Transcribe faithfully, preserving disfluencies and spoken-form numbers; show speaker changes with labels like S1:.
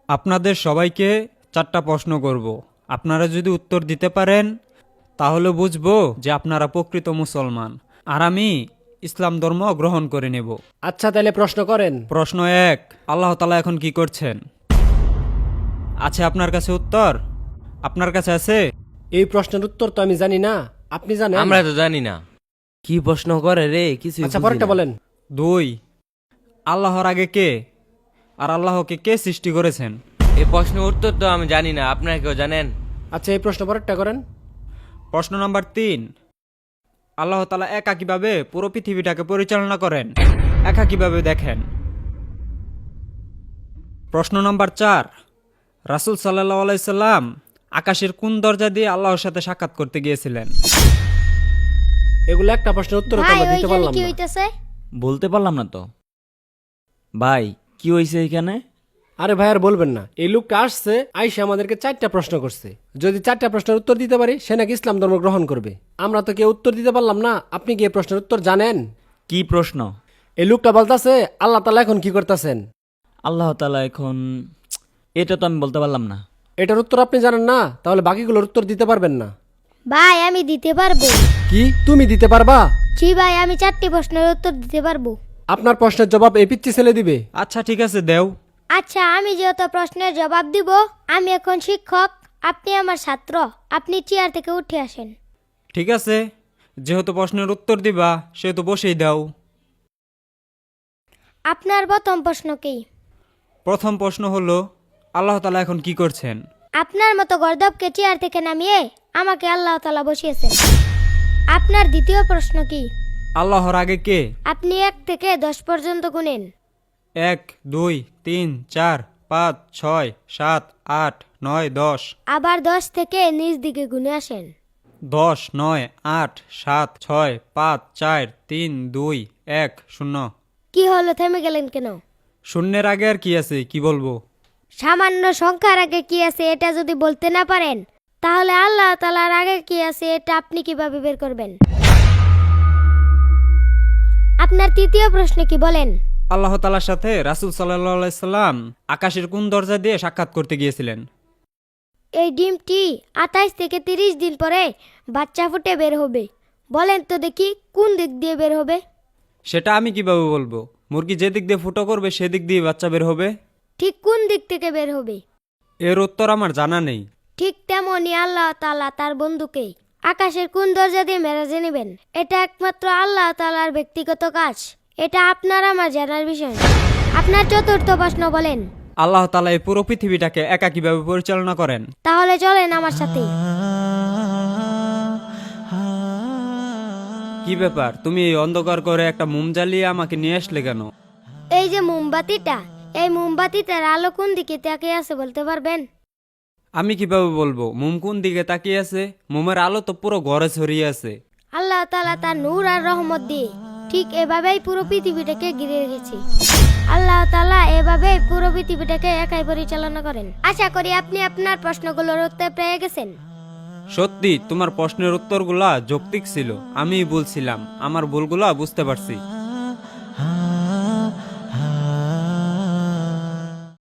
S1: আপনাদের সবাইকে চারটা প্রশ্ন করব। আপনারা যদি উত্তর দিতে পারেন তাহলে বুঝবো যে আপনারা প্রকৃত মুসলমান, আর আমি ইসলাম ধর্ম গ্রহণ করে নেব।
S2: আচ্ছা তাহলে প্রশ্ন করেন।
S1: প্রশ্ন এক, আল্লাহ তাআলা এখন কি করছেন? আছে আপনার কাছে উত্তর? আপনার কাছে আছে?
S2: এই প্রশ্নের উত্তর তো আমি জানি না, আপনি জানেন?
S3: আমরা তো জানি না কি প্রশ্ন করে রে, কিছু
S2: আচ্ছা পরেরটা বলেন।
S1: দুই, আল্লাহর আগে কে আর আল্লাহকে কে সৃষ্টি করেছেন?
S3: এই প্রশ্নের উত্তর তো আমি জানি না, আপনারা কেউ জানেন?
S2: আচ্ছা এই প্রশ্ন পরেরটা করেন।
S1: প্রশ্ন নাম্বার তিন, আল্লাহ তাআলা একা কিভাবে পুরো পৃথিবীটাকে পরিচালনা করেন, একা কিভাবে দেখেন? প্রশ্ন নাম্বার চার, রাসূল সাল্লাল্লাহু আলাইহি সাল্লাম আকাশের কোন দরজা দিয়ে আল্লাহর সাথে সাক্ষাৎ করতে গিয়েছিলেন?
S2: এগুলো একটা প্রশ্নের উত্তর তো
S4: ভাই
S2: আমরা দিতে
S4: ওইখানে
S2: পারলাম
S4: কি
S2: না।
S4: হইতাছে?
S5: বলতে পারলাম না তো ভাই, কি হয়েছে এখানে?
S2: আরে ভাই আর বলবেন না, এই লোকটা আসছে আইসা আমাদেরকে চারটা প্রশ্ন করছে। যদি চারটা প্রশ্নের উত্তর দিতে পারি সে নাকি ইসলাম ধর্ম গ্রহণ করবে। আমরা তো কেউ উত্তর দিতে পারলাম না। আপনি কি এই প্রশ্নের উত্তর জানেন?
S5: কি প্রশ্ন?
S2: এই লোকটা বলতাছে আল্লাহ তাআলা এখন কি করতেছেন।
S5: আল্লাহ তাআলা এখন, এটা তো আমি বলতে পারলাম না।
S2: এটার উত্তর আপনি জানেন না, তাহলে বাকিগুলোর উত্তর দিতে পারবেন না।
S4: ভাই আমি দিতে পারবো।
S2: কি তুমি দিতে পারবা?
S4: জি ভাই, আমি চারটি প্রশ্নের উত্তর দিতে পারবো।
S2: আপনার প্রশ্নের জবাব এই পিচ্চি ছেলে দিবে।
S1: আচ্ছা ঠিক আছে, দেও।
S4: আচ্ছা, আমি যেহেতু প্রশ্নের জবাব দিব, আমি এখন শিক্ষক, আপনি আমার ছাত্র, আপনি চেয়ার থেকে উঠে আসেন।
S1: ঠিক আছে, যেহেতু প্রশ্নের উত্তর দিবা সেহেতু বসেই দাও।
S4: আপনার প্রথম প্রশ্ন কি?
S1: প্রথম প্রশ্ন হলো, আল্লাহ তাআলা এখন কি করছেন?
S4: আপনার মতো গর্দবকে চেয়ার থেকে নামিয়ে আমাকে আল্লাহ তাআলা বসিয়েছেন। আপনার দ্বিতীয় প্রশ্ন কি?
S1: আল্লাহর আগে কে?
S4: আপনি এক থেকে দশ পর্যন্ত গুনেন।
S1: এক, দুই, তিন, চার, পাঁচ, ছয়, সাত, আট, নয়, দশ।
S4: আবার দশ থেকে নিচ দিকে গুনে আসেন।
S1: দশ, নয়, আট, সাত, ছয়, পাঁচ, চার, তিন, দুই, এক, শূন্য।
S4: কি হলো, থেমে গেলেন কেন?
S1: শূন্যের আগে আর কি আছে, কি বলবো?
S4: সামান্য সংখ্যার আগে কি আছে এটা যদি বলতে না পারেন, তাহলে আল্লাহ তাআলার আগে কি আছে এটা আপনি কিভাবে বের করবেন? আপনার তৃতীয় প্রশ্ন কি বলেন?
S1: আল্লাহ তাআলার সাথে রাসূল সাল্লাল্লাহু আলাইহি সাল্লাম আকাশের কোন দরজা দিয়ে সাক্ষাৎ করতে গিয়েছিলেন?
S4: এই ডিমটি আঠাইশ থেকে তিরিশ দিন পরে বাচ্চা ফুটে বের হবে। বলেন তো দেখি কোন দিক দিয়ে বের হবে?
S1: সেটা আমি কিভাবে বলবো? মুরগি যে দিক দিয়ে ফুটো করবে সেদিক দিয়ে বাচ্চা বের হবে।
S4: ঠিক কোন দিক থেকে বের হবে?
S1: এর উত্তর আমার জানা নেই।
S4: ঠিক তেমনই আল্লাহ তাআলা তার বন্ধুকে আকাশের কোন দরজা দিয়ে মেরাজে নেবেন, এটা একমাত্র আল্লাহ তাআলার ব্যক্তিগত কাজ। এটা আপনার আমার জানার বিষয় না। আপনার চতুর্থ প্রশ্ন বলেন।
S1: আল্লাহ তাআলা এই পুরো পৃথিবীটাকে একা কিভাবে পরিচালনা করেন?
S4: তাহলে চলেন আমার সাথে।
S1: কি ব্যাপার, তুমি এই অন্ধকার করে একটা মোম জ্বালিয়ে আমাকে নিয়ে আসলে কেন?
S4: এই যে মোমবাতিটা, এই মোমবাতিটার আলো কোন দিকে তাকিয়ে আছে বলতে পারবেন?
S1: আমি কিভাবে বলবো মোম কোন দিকে তাকিয়ে আছে? মোমের আলো তো পুরো ঘরে ছড়িয়ে আছে।
S4: আল্লাহ তাআলা তার নূর আর রহমত দিয়ে ঠিক এভাবেই পুরো পৃথিবীটাকে ঘিরে রেখেছে। আল্লাহ তাআলা এভাবেই পুরো পৃথিবীটাকে একাই পরিচালনা করেন। আশা করি আপনি আপনার প্রশ্নগুলোর উত্তর পেয়ে গেছেন।
S1: সত্যি তোমার প্রশ্নের উত্তরগুলা যৌক্তিক ছিল। আমি বলছিলাম, আমার ভুলগুলা বুঝতে পারছি।